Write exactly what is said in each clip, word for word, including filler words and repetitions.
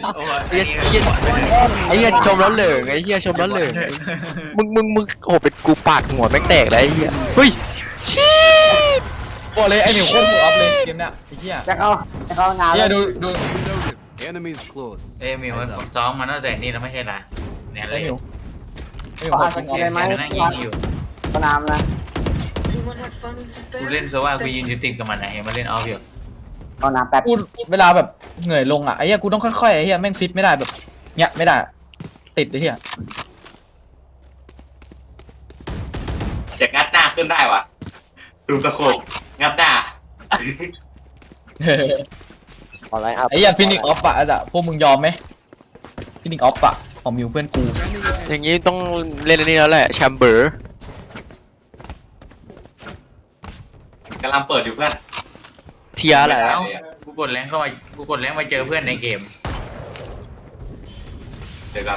ไอ้เหี้ยไอ้เหี้ยชมร้อนเหลืองไอ้เหี้ยชมร้อนเหลืองมึงมึงมึงโอ้เป็นกูปากหัวแม่งแตกแล้วไอ้เหี้ยเฮ้ยชีดบอกเลยไอ้หมิวโคตรหัวอัพเลยเกมเนี้ยไอ้เหี้ยจะเข้าจะเข้างานเหี้ยดูดู Enemies close. เอ้ยมิวมันซ้อมมาตั้งแต่นี่แล้วไม่ใช่เหรอเนี่ยเลไอ้ยหมิวไอ้หมิวขอหัวสจริงกิออลฟได้ไหมนั่งยิงอยู่สนามนะกูเล่นโซว่ากูยืนอยู่ติดกับมันนะเห็นมันเล่นออฟอยู่สนามแป๊บกูเวลาแบบเหนื่อยลงอ่ะไอ้เหี้ยกูต้องค่อยๆไอ้เหี้ยแม่งฟิตไม่ได้แบบเนี้ยไม่ได้ติดไอ้เหี้ยจะงัดหน้าขึ้นได้วะดูสะโคบงัดหน้าอะไรอัพไอ้เหี้ยฟินิกออฟอะอ่ะพวกมึงยอมไหมฟินิกออฟอะของมิวเพื่อนกูอย่างงี้ต้องเล่นอันนี้แล้วแหละแชมเบอร์กำลังเปิดอยู่เพื่อนเทียอะไรแล้วกูกดแรงเข้ามากูกดแรงมาเจอเพื่อนในเกมเดี๋ยวก่อน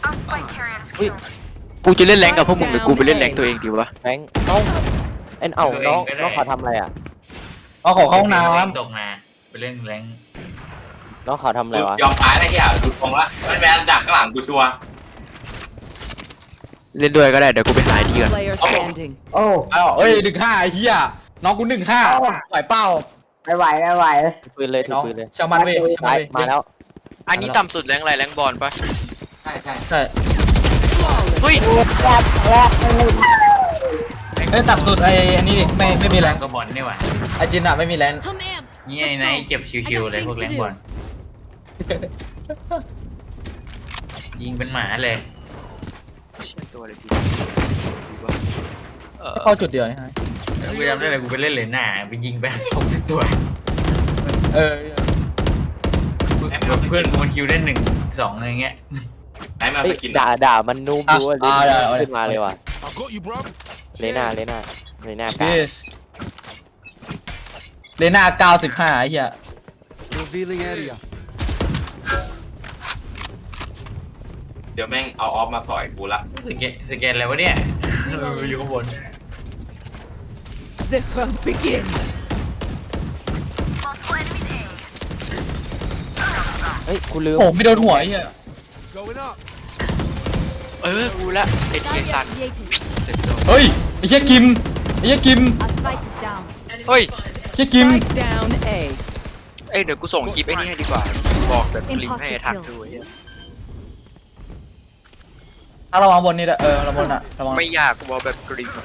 กูจะเล่นแรงกับพวกมึงหรือกูไปเล่นแรงตัวเองดีวะแบงค์เอ้าเอ็นเอ้าน้องน้องเขาทำอะไรอ่ะเอาของเข้าห้องน้ตกมาไปเล่นแรงน้องเขาทำอะไรวะยอมตายได้ที่อ่ะดูตรงละมันแมนดักข้างหลังกูชัวร์เล่นด้วยก็ได้เดี๋ยวกูไปหาไอ้ดีก่อน Player standing. โอ้ำอ้าวเอ้ยหนึ่งห้าไอ้เหี้ยน้องกูหนึ่งห้าไหวเป้าไม่ไหวไม่ไหวปืนเลยถือน้องปืนเลยชาวมันเว้ยชาวมันเว้ยมาแล้วอันนี้ต่ำสุดแรงอะไรแรงบอลปะใช่ใช่ใช่เฮ้ยแรกแรกไม่รู้เอ้ยตับสุดไอ้อันนี้ดิไม่ไม่มีแรงก็บอลนี่หว่าไอ้จินอะไม่มีแรง I'm amped. นี่ไอ้ไนท์เจ็บชิวๆเลยพวกแรงบอลยิงเป็นหมาเลยเชี่ยตัวอะไรดีเออเข้าจุดเดียวไอ้กูจำได้เลยกูไปเล่นเลยหน้าไปยิงไปหกสิบตัวเออเพื่อนกูมันคิวได้หนึ่งสองอะไรเงี้ยไหนมาเฮ้สยกินด่าด่ามันนูบดูอ่ะขึ้นมาเลยว่ะ I got you, bro. เลน่าเลน่าเลน่ากาพีสเลน่าเก้าสิบห้าไอ้เหี้ย Revealing area. เดี๋ยวแม่งเอาออฟมาสอยกูละสแกนสแกนอะไรวะเนี่ยอยู่ข้างบน The hunt begins. เฮ้ยกูลืมโอ้ไม่โดนหัวไอ้เหี้ย Going up. เออกูละไอ้เทียซัน Initiating. เสร็จแล้วเฮ้ยไอ้เหี้ยกิมไอ้เหี้ยกิม Our spike is down. เฮ้ยไอ้เหี้ยกิม Spike down A. เอ้ยเดี๋ยวกูส่งคลิปไอ้นี่ให้ดีกว่า บอกแบบคลิปให้ทักดูไอ้เหี้ยถ้าระวังบนนี่ด้วยเออระวังบนอะระวังไม่อยากบอกแบบกริมอะ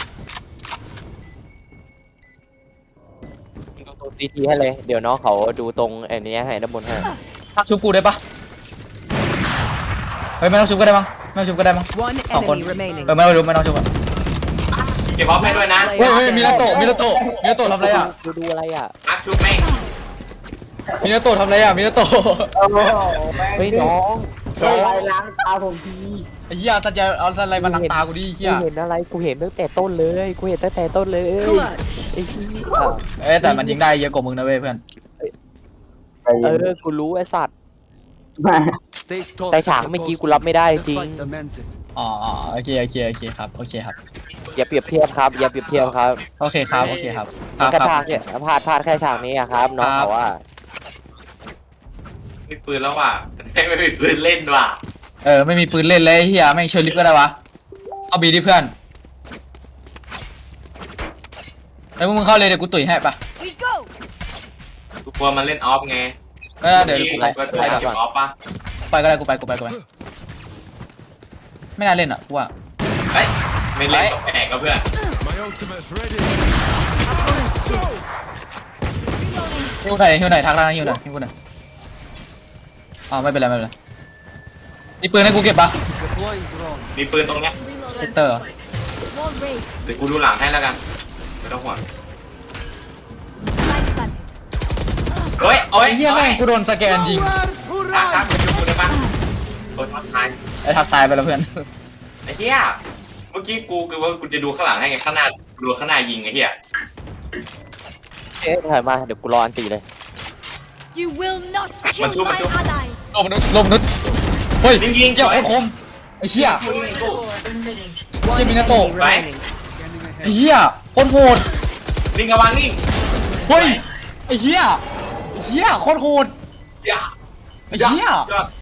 ดูตรงซีทีให้เลยเดี๋ยวน้องเขาดูตรงไอ้นี้ให้ด้านบนให้ชุบกูได้ปะเฮ้ยไม่ต้องชุบก็ได้มั้งไม่ต้องชุบก็ได้มั้ง One Oh, one. enemy remaining. เออไม่ต้องชุบไม่ต้องชุบอะเก็บออฟให้ด้วยนะเฮ้ยเฮ้ยมินาโตะมินาโตะมินาโตะทำอะไรอะดูดูอะไรอ่ะอักชุบแม่งมินาโตะทำอะไรอะมินาโตะเฮ้ยน้องน้องล้างตาผมทีไอ้เหี้ยสัญญาเอาสัญญามานังตากูดิเหี้ยกูเห็นอะไรกูเห็นตั้งแต่ต้นเลยกูเห็นตั้งแต่ต้นเลย Clutch. ไอ้ที่เอ้ยแต่มันยิงได้เยอะกว่ามึงนะเว้ยเพื่อนเออกูรู้ไอ้สัตว์ Stay tall. แต่ฉากเมื่อกี้กูรับไม่ได้จริง The fight demands it. อ๋ออ๋อโอเคโอเคโอเคครับโอเคครับอย่าเปรียบเทียบครับอย่าเปรียบเทียบครับโอเคครับโอเคครับคมัรันบแค่คพลารัดบแค่พลาดพลาดแค่ฉากนี้อะครับน้องเขาว่ามีปืนแล้วว่ะไม่ไม่มีปืนเล่นว่ะเออไม่มีปืนเล่นเลยเฮียไม่งเชิญลิฟต์ก็ได้วะเอาบีดิเพื่อนแล้วมึงเข้าเลยเดี๋ยวกูตุ๋ยให้ปะ We go. กูกลัวมันเล่นออฟไงเออเดี๋ยวกูไปก็ตัวไปเก็บออฟปะไปก็ได้กูไปกูไปกูไปไม่น่าเล่นอ่ะกูว่าเฮ้ยไม่เล่นกับแขกกับเพื่อน My ultimate's ready. ฮิวไหนฮิวไหนทักแล้วนะฮิวไหนฮิวกูไหนอ๋อไม่เป็นไรไม่เป็นไรมีปืนให้กูเก็บปะ Deploying drone. มีปืนตรงเนี้ยเซกเตอร์ Wall raised. เดี๋ยวกูดูหลังให้แล้วกันไม่ต้องห่วง Spike planted. เฮ้ยโอ้ยไอ้เหี้ยแม่งกูโดนสแกนยิงทักทักมาดูกูได้ปะโดนทักทายไอ้ทักตายไปแล้วเพื่อนไอ้เหี้ยเมื่อกี้กูคือว่ากูจะดูข้างหลังให้ไงข้างหน้าดูข้างหน้ายิงไอ้เหี้ยเอ๊ะถอยมาเดี๋ยวกูรออันตีเลย You will not kill my allies. โลมนุษย์โลมนุษย์เฮ้ยยิงยิงเหี้ยสวยโคตรคมไอ้เหี้ยยิงยิงกู One Give me the enemy door, remaining. ไอ้เหี้ยโคตรโหดยิงกระวังนี่เฮ้ยไอ้เหี้ยไอ้เหี้ยโคตรโหดอย่าไอ้เหี้ยยอด